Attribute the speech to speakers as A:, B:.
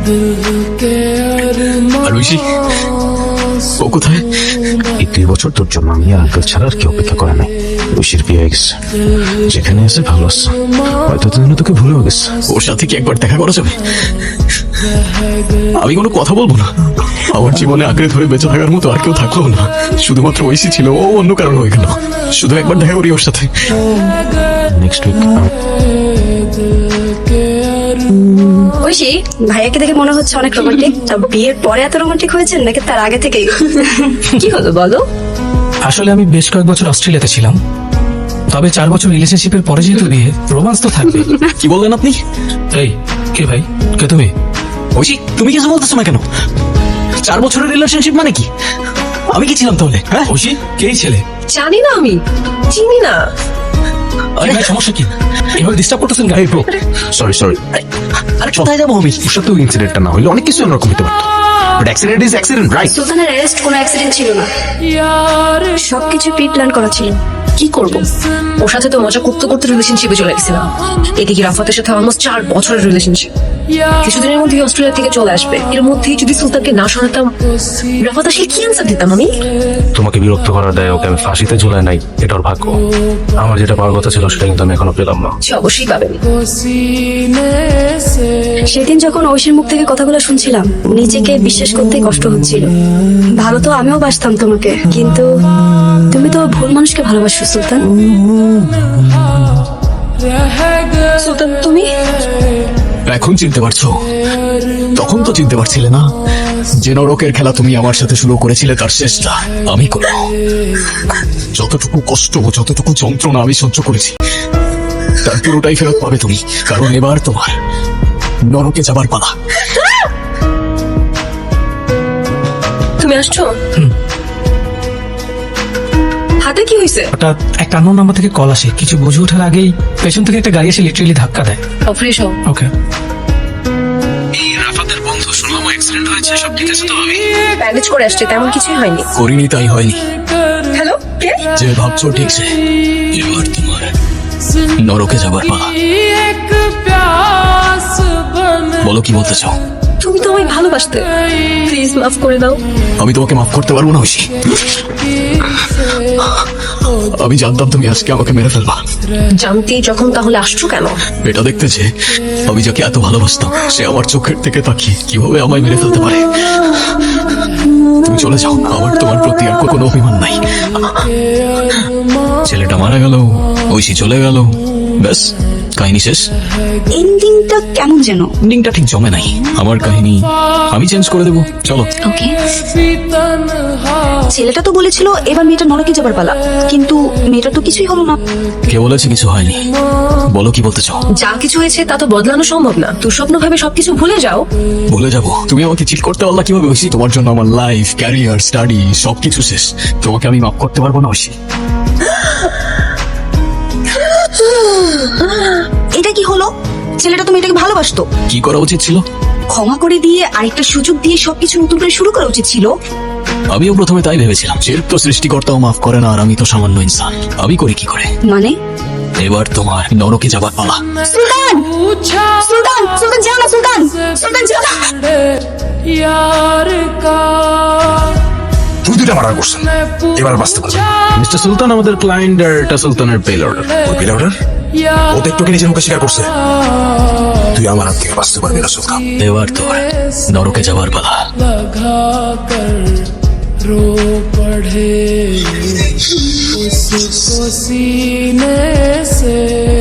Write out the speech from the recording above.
A: আর ঐশী ও কোথায়?
B: এই 2 বছর তোর জন্য আমি আর আঙ্কেল ছাড়া আর কেউ অপেক্ষা করে নাই। ঐশীর বিয়ে হয়ে গেছে, যেখানে আছে ভালো আছে, হয়তো তুই তোকে ভুলেও গেছে।
A: ওর সাথে কি একবার দেখা করা যাবে? আমি কোনো কথা বলবো না। আমার জীবনে আঁকড়ে ধরে বেঁচে থাকার মতো আর কেউ থাকলো না, শুধুমাত্র ঐশী ছিল। ও অন্য কারণ হয়ে গেল। শুধু একবার দেখা করি ওর সাথে।
B: নেক্সট উইক
C: ঐশী, ভাইয়াকে দেখে মনে হচ্ছে অনেক রোমান্টিক। বিয়ের পরে এত রোমান্টিক হয়েছেন নাকি তার আগে থেকেই? কি হলো বলো?
D: আসলে আমি বেশ কয়েক বছর অস্ট্রেলিয়াতে ছিলাম, তবে 4 বছর রিলেশনশিপের পরে যেহেতু বিয়ে, রোমান্স তো থাকবে।
A: কি বললেন আপনি?
D: এই কে ভাই, কে তুমি?
A: ঐশী, তুমি কিছু বলতেছো না কেন? 4 বছরের রিলেশনশিপ মানে কি? আমি কি ছিলাম তাহলে? হ্যাঁ
D: ঐশী, কে এই ছেলে?
C: জানি না, আমি চিনি না।
D: আরে ভাই, সমস্যা কি? এভাবে ডিস্টার্ব করতেছেন গাড়ি ব্রো।
B: সরি
A: আরে কোথায় যাবো আমি?
B: ওর সাথে ইনসিডেন্টটা না হইলে অনেক কিছু অন্যরকম হতে পারতো, but accident is accident, right?
C: সুলতানের অ্যারেস্ট কোনো অ্যাক্সিডেন্ট ছিল না, সবকিছু প্রি প্ল্যান করা ছিল।
E: কি করবো, ওর সাথে তো মজা করতে করতে রিলেশনশিপে চলে গেছিলাম। এদিকে রাফাতের সাথে অলমোস্ট 4 বছরের রিলেশনশিপ। কিছুদিনের মধ্যেই অস্ট্রেলিয়া থেকে চলে আসবে। এর মধ্যেই যদি সুলতানকে না শোনাতাম, রাফাত আসলে কি অ্যান্সার দিতাম আমি?
B: তোমাকে বিরক্ত করার দেয় ওকে আমি ফাঁসিতে ঝুলাই নাই, এটা ওর ভাগ্য। আমার যেটা পাওয়ার কথা ছিল সেটা কিন্তু আমি এখনো পেলাম না।
E: সে অবশ্যই পাবেন।
C: সেদিন যখন ঐশীর মুখ থেকে কথাগুলো শুনছিলাম, নিজেকে বিশ্বাস করতে কষ্ট হচ্ছিল। ভালো তো আমিও বাসতাম তোমাকে, কিন্তু তুমি তো ভুল মানুষকে ভালোবাসো সুলতান। সুলতান, তুমি
A: এখন চিনতে পারছো? তখন তো চিনতে পারছিলে না। যে নরকের খেলা তুমি আমার সাথে শুরু করেছিলে তার শেষটা আমি করব। যতটুকু কষ্ট, যতটুকু যন্ত্রণা আমি সহ্য করেছি, তার পুরোটাই ফেরত পাবে তুমি। কারণ এবার তোমার নরকে যাবার পালা।
E: তুমি আসছো? হাতে কি হয়েছে?
D: হঠাৎ একটা আননোন নাম্বার থেকে কল আসে, কিছু বুঝে ওঠার আগেই পেছন থেকে একটা গাড়ি এসে লিটারেলি ধাক্কা দেয়।
E: ফ্রেশ হও।
D: ওকে।
B: রাফাতের বন্ধু, শুনলাম অ্যাক্সিডেন্ট হয়েছে, সব ঠিক আছে তো? আমি
E: ব্যান্ডেজ করে আসছে, তেমন কিছুই হয়নি।
A: করিনি তাই হয়নি।
E: হ্যালো, কে?
A: যে ভাবছো ঠিক সে। এবার তোমার নরকে যাবার পালা। বলো কি বলতে চাও?
E: তুমি তো আমায় ভালোবাসতে, প্লিজ মাফ করে দাও।
A: আমি তোমাকে মাফ করতে পারবো না ঐশী। আমি জানতাম তুমি আজকে আমাকে মেরে ফেলবা।
E: জানতেই যখন তাহলে আসছো কেন?
A: এটা দেখতে যে আমি যাকে এত ভালোবাসতাম সে আমার চোখের থেকে তাকিয়ে কিভাবে আমায় মেরে ফেলতে পারে। তুমি চলে যাও, আমার তোমার প্রতি আর কোনো অভিমান নাই। ছেলেটা মারা গেল, ঐশী চলে গেল, ব্যাস কাহিনী শেষ।
C: এন্ডিংটা কেমন যেন।
A: এন্ডিংটা ঠিক জমে নাই। আমার কাহিনী আমি চেঞ্জ করে দেবো, চলো।
C: ওকে। ছেলেটা তো বলেছিল এবার মেয়েটা নরকে যাবার পালা, কিন্তু মেয়েটা তো কিছুই হলো না।
A: কে বলেছে কিছু হয়নি? বলো কি বলতে চাও?
E: যা কিছু হয়েছে তা তো বদলানো সম্ভব না। দুঃস্বপ্ন ভাবে সবকিছু ভুলে যাও।
A: ভুলে যাবো? তুমি আমাকে চিট করতে পারলা কিভাবে ঐশী? তোমার জন্য আমার লাইফ, ক্যারিয়ার, স্টাডি সবকিছু শেষ। তোমাকে আমি মাফ করতে পারবো না ঐশী।
C: এটা কি হলো? ছেলেটা তো মেয়েটাকে ভালোবাসতো।
A: কি করা উচিত ছিল?
C: ক্ষমা করে দিয়ে আরেকটা সুযোগ দিয়ে সবকিছু নতুন করে শুরু করা উচিত ছিল।
A: আমিও প্রথমে তাই ভেবেছিলাম। যে তো সৃষ্টিকর্তাও মাফ করে না, আর আমি তো সামান্য ইনসান। আমি করি কি করে?
C: মানে
A: এবার তোমার নরকে যাবার পালা।
C: সুলতান, সুলতান, সুলতান যাও না, সুলতান, সুলতান যাও না।
B: তুই দুটা মার্ডার করছেন, এবার বাঁচতে পারবে।
A: মিস্টার সুলতান আমাদের ক্লায়েন্ট, আর এটা সুলতানের পেল অর্ডার।
B: ওই পেলে অর্ডার ও তো একটুকে নিজের মুখে স্বীকার করছে। তুই আমার হাত থেকে বাঁচতে পারবি না সুলতান।
A: এবার তোর নরকে যাবার পালা।
F: रो पढ़े उसको सीने से